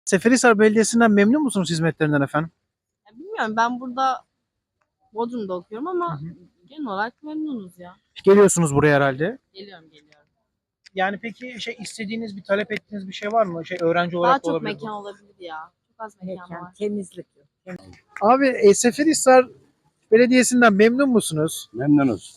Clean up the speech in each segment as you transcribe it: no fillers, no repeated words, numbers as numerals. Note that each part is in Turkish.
Seferihisar Belediyesi'nden memnun musunuz hizmetlerinden efendim? Ya bilmiyorum, ben burada Bodrum'da okuyorum ama genel olarak memnunuz ya. Geliyorsunuz buraya herhalde. Geliyorum. Yani peki istediğiniz, bir talep ettiğiniz bir şey var mı? Öğrenci Daha olarak da çok olabilir bu. mekan olabilir ya. Çok az mekan var. Temizlik. Abi Seferihisar Belediyesi'nden memnun musunuz? Memnunuz.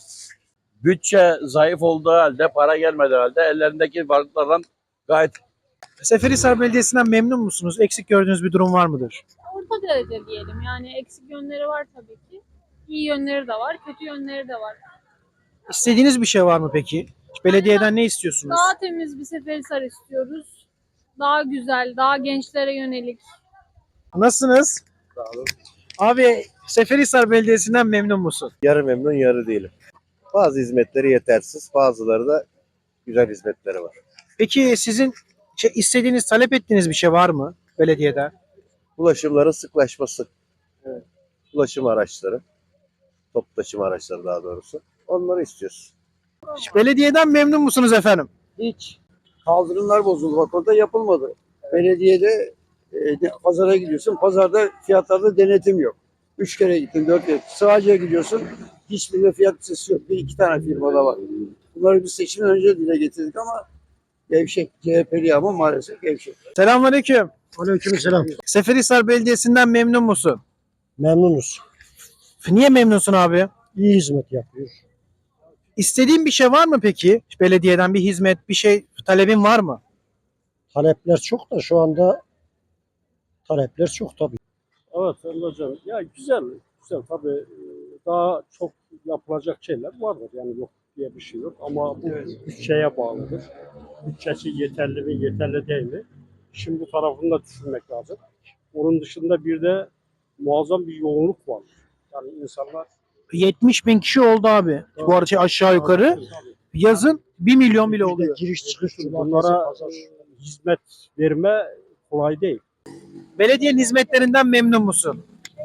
Bütçe zayıf olduğu halde, para gelmediği halde ellerindeki varlıklardan gayet Seferihisar Belediyesi'nden memnun musunuz? Eksik gördüğünüz bir durum var mıdır? Orta derece diyelim. Yani eksik yönleri var tabii ki. İyi yönleri de var, kötü yönleri de var. İstediğiniz bir şey var mı peki? Belediyeden ne istiyorsunuz? Daha temiz bir Seferihisar istiyoruz. Daha güzel, daha gençlere yönelik. Nasılsınız? Sağ olun. Abi Seferihisar Belediyesi'nden memnun musun? Yarı memnun, yarı değilim. Bazı hizmetleri yetersiz, bazıları da güzel hizmetleri var. Peki sizin istediğiniz, talep ettiğiniz bir şey var mı belediyeden? Ulaşımların sıklaşması. Evet. Ulaşım araçları, toplu taşıma araçları daha doğrusu. Onları istiyoruz. Belediyeden memnun musunuz efendim? Hiç. Kaldırımlar bozuldu. Bak orada yapılmadı. Belediyede pazara gidiyorsun. Pazarda fiyatlarda denetim yok. 3 kere gittin, 4 kere. Sığacıya gidiyorsun. Hiçbirinde fiyat listesi yok. Bir iki tane firmada var. Bunları biz seçimden önce dile getirdik ama gevşek. CHP'li ama maalesef gevşek. Selamünaleyküm. Aleykümselam. Seferihisar Belediyesi'nden memnun musun? Memnunuz. Niye memnunsun abi? İyi hizmet yapıyor. İstediğin bir şey var mı peki? Belediyeden bir hizmet, bir şey, talebin var mı? Talepler çok da şu anda talepler çok tabii. Evet hocam. Ya güzel tabii daha çok yapılacak şeyler vardır. Yani yok diye bir şey yok ama bu bütçeye bağlıdır. Bütçesi yeterli mi, yeterli değil mi? Şimdi bu tarafını da düşünmek lazım. Onun dışında bir de muazzam bir yoğunluk var. Yani insanlar 70 bin kişi oldu abi. Bu arada aşağı yukarı. Yazın 1 milyon bile oluyor. Giriş çıkış bunlara hizmet verme kolay değil. Belediyenin hizmetlerinden memnun musun?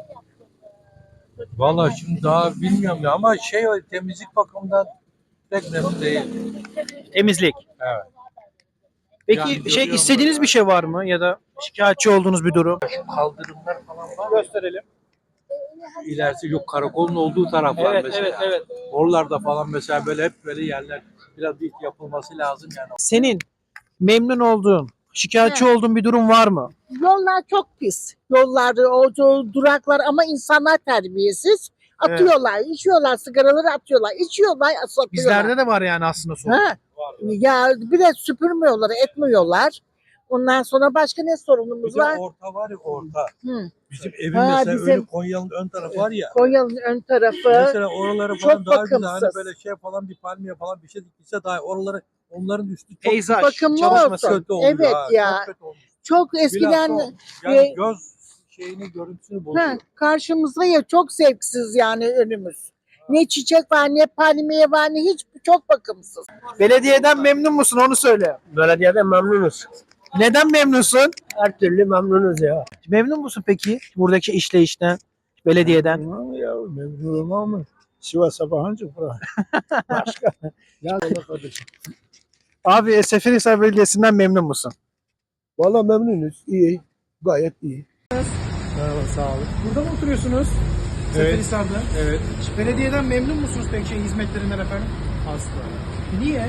Vallahi şimdi daha bilmiyorum ya ama temizlik bakımından pek memnun değil. Temizlik. Evet. Peki Yani görüyorum istediğiniz böyle. bir şey var mı ya da şikayetçi olduğunuz bir durum? Kaldırımlar falan var. Gösterelim. İlerisi yok karakolun olduğu taraflar mesela. evet. Oralarda falan mesela böyle hep böyle yerler biraz ilk yapılması lazım yani. Senin memnun olduğun, şikayetçi olduğun bir durum var mı? Yollar çok pis. Yollar, o duraklar ama insanlar terbiyesiz. Atıyorlar, içiyorlar, sigaraları atıyorlar, içiyorlar, satıyorlar. Bizlerde de var yani aslında sorun. Ha. Ya bir de süpürmüyorlar, etmiyorlar. Ondan sonra başka ne sorunumuz Bir de var? orta var ya orta. Hı. Bizim evin Ha, mesela bizim- önü Konya'nın ön tarafı var ya. Konya'nın ön tarafı. Mesela oraları falan çok daha güzel hani bakımsız. böyle falan bir palmiye falan bir şey dikilse daha oraları onların üstü çok Peyzaj, bakımlı çalışması. olsun. kötü oldu. Evet ha, ya. Çok kötü olmuş. Çok eskiden Bilhassa yani e, göz görüntüsünü bozuyor. karşımızda ya çok zevksiz yani önümüz. Ne çiçek var, ne palmiye var, ne hiç çok bakımsız. Belediyeden memnun musun onu söyle. Belediyeden memnunuz. Neden memnunsun? Her türlü memnunuz ya. Memnun musun peki buradaki işleyişten, belediyeden? Ya memnunum ama Sivas Sabancı bura. Başka. Ya kardeşim. Abi Seferihisar Belediyesi'nden memnun musun? Valla memnunuz. İyi. Gayet iyi. Merhaba, sağ olun. Burada mı oturuyorsunuz? Seferihisar'da. Evet. Belediyeden memnun musunuz peki hizmetlerinden efendim? Asla. Niye?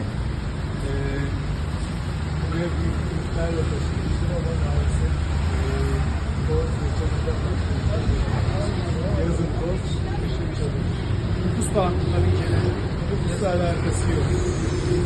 Buraya büyük işler yapıyorsunuz ama maalesef yazın toz, kışın çadır. Nüfus farklı tabii ki. Nüfusla alakası yok.